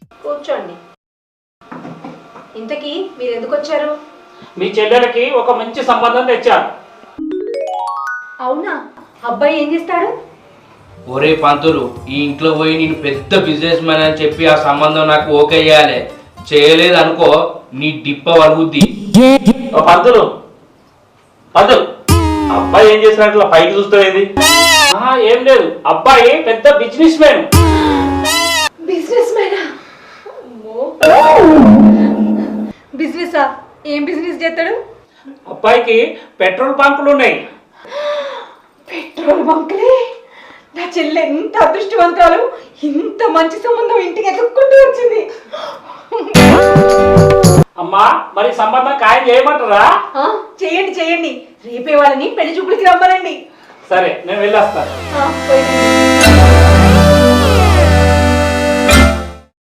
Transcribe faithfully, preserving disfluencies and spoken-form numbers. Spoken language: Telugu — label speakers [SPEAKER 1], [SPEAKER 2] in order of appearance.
[SPEAKER 1] కూర్చోండి. ఇంతకీ మీరు ఎందుకు వచ్చారు?
[SPEAKER 2] మీ చెల్లెలకి ఒక మంచి సంబంధం తెచ్చారు.
[SPEAKER 1] అవునా? అబ్బాయి ఏం చేస్తాడు?
[SPEAKER 3] ఒరే పంతులు, ఈ ఇంట్లో పోయి నేను పెద్ద బిజినెస్ మ్యాన్ అని చెప్పి ఆ సంబంధం నాకు ఓకే చేయాలి. చేయలేదు అనుకో నీ డిప్ప వలుగుద్ది.
[SPEAKER 4] ఓ పంతులు పంతులు అబ్బాయి ఏం చేసినట్లు పైకి చూస్తుంది?
[SPEAKER 2] ఏం లేదు, అబ్బాయి పెద్ద బిజినెస్ మ్యాన్.
[SPEAKER 1] బిజినెస్ మ్యానా? బిజినెసా? ఏం బిజినెస్ చేస్తాడు?
[SPEAKER 2] అబ్బాయికి పెట్రోల్ బంకులు ఉన్నాయి.
[SPEAKER 1] పెట్రోల్ బంకులే? నా చెల్లె ఎంత అదృష్టవంతురాలు, ఇంత మంచి సంబంధం ఇంటికి ఎదుక్కుంటూ వచ్చింది.
[SPEAKER 2] అమ్మా, మరి సంబంధం ఖాయం చేయమంటారా?
[SPEAKER 1] చేయండి చేయండి, రేపే వాళ్ళని పెళ్లి చూపులకి రమ్మనండి.
[SPEAKER 2] సరే, నేను వెళ్ళొస్తాను.
[SPEAKER 1] పోయి